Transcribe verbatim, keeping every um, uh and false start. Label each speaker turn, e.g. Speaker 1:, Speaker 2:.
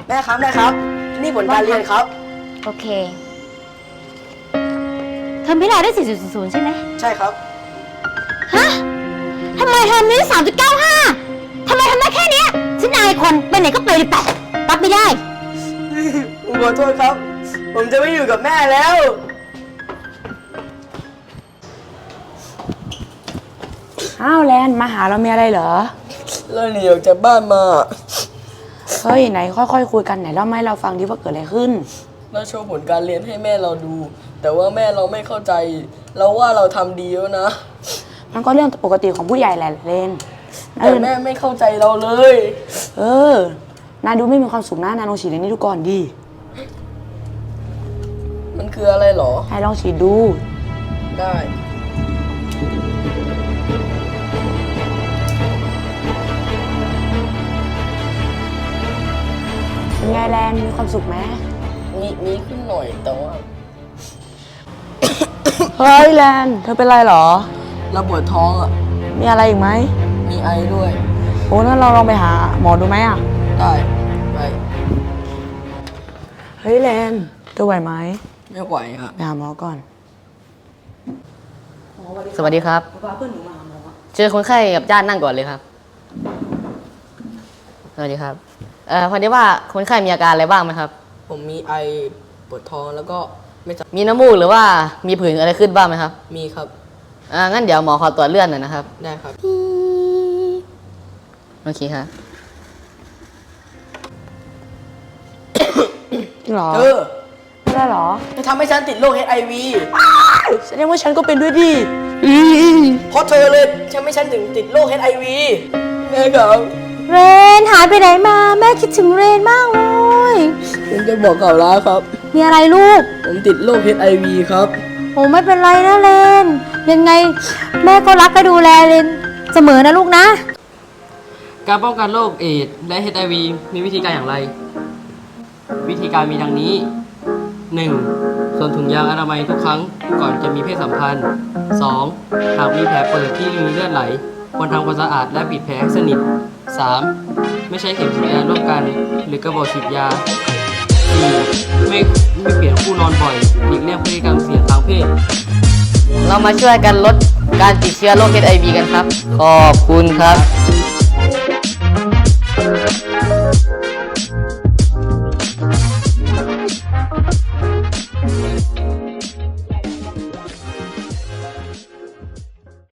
Speaker 1: แม่ครับแม่ครับนี่ผลการเรียนครับ
Speaker 2: โอเคเทอมที่แล้วได้ สี่จุดศูนย์ศูนย์ ใช่ไหม
Speaker 1: ใช่ครับ
Speaker 2: ฮะทำไมเทอมนี้ สามจุดเก้าห้า ทำไมทำได้แค่นี้ฉันอายคนไปไหนก็ไปเลยไปรับไม่ได้
Speaker 1: ผมขอโทษครับผมจะไม่อยู่กับแม่แล้ว
Speaker 3: อ้าวแลนมาหาเรามีอะไรเหรอ
Speaker 1: เราหนีออกจากบ้านมา
Speaker 3: เฮ้ยไหนค่อยๆ ค, คุยกันไหนเล่ามาให้เราฟังดิว่าเกิดอะไรขึ้น
Speaker 1: เราโชว์ผลการเรียนให้แม่เราดูแต่ว่าแม่เราไม่เข้าใจเราว่าเราทำดีแล้วนะ
Speaker 3: มันก็เรื่องปกติของผู้ใหญ่แหละเลน
Speaker 1: แต่แม่ไม่เข้าใจเราเลย
Speaker 3: เออนายดูไม่มีความสุขนะนายลองฉีดในนี้ดูก่อนดิ
Speaker 1: มันคืออะไรหรอน
Speaker 3: ายลองฉีดดู
Speaker 1: ได้
Speaker 3: เป็นไงแลนมีความสุขไหม
Speaker 1: มีมีขึ้นหน่อยแต่ว่า
Speaker 3: เฮ้ยแลนเธอเป็นไรหรอ
Speaker 1: เราปวดท้องอ่ะ
Speaker 3: มีอะไรอีกไหม
Speaker 1: มีไอด้วย
Speaker 3: โอ้งั้นเราลองไปหาหมอดูไหมอ่ะ
Speaker 1: ได้ไป
Speaker 3: เฮ้ยแลนเธอไหวไหม
Speaker 1: ไม่ไหวครับ
Speaker 3: ไปหาหมอก่อน
Speaker 4: สวัสดีครับเจอคนไข้กับญาตินั่งก่อนเลยครับสวัสดีครับเอ่อพอดีว่าคนไข้มีอาการอะไรบ้างไหมครับ
Speaker 1: ผมมีไอปวดท้องแล้วก็ไม่
Speaker 4: มีน้ำมูกหรือว่ามีผื่นอะไรขึ้นบ้างไหมครับ
Speaker 1: มีครับ
Speaker 4: อ่างั้นเดี๋ยวหมอขอตรวจเลือดหน่อยนะครับ
Speaker 1: ได้ครับ
Speaker 4: โอเคครับ
Speaker 3: หรอ
Speaker 1: เออ
Speaker 3: ไม่ได้หรอ
Speaker 1: จะทำให้ฉันติดโรค เอช ไอ วี
Speaker 3: แสดงว่าฉันก็เป็นด้วยดิ
Speaker 1: เพราะเธอเลยทำให้ฉันถึงติดโรค เอช ไอ วี แม่ครับ
Speaker 2: เรนหายไปไหนมาแม่คิดถึงเรนมากเลย
Speaker 1: ผมจะบอกข่าวร้ายครับ
Speaker 2: มีอะไรลูก
Speaker 1: ผมติดโรค เอช ไอ วี ครับ
Speaker 2: โอ้ไม่เป็นไรนะเรนยังไงแม่ก็รักและดูแลเรนเสมอนะลูกนะ
Speaker 4: การป้องกันโรคเอดส์และ เอช ไอ วี มีวิธีการอย่างไรวิธีการมีดังนี้ หนึ่ง สวมถุงยางอนามัยทุกครั้งก่อนจะมีเพศสัมพันธ์ สอง หากมีแผลเปิดที่มีเลือดไหลควรทำความสะอาดและปิดแผลให้สนิท สาม ไม่ใช้เข็มฉีดยาร่วมกันหรือกระบอกฉีดยา สี่ ไม่ไม่เปลี่ยนคู่นอนบ่อยหลีกเลี่ยงพฤติกรรมเสี่ยงทางเพศเรามาช่วยกันลดการติดเชื้อโรค เอช ไอ วี กันครับขอบคุณครับ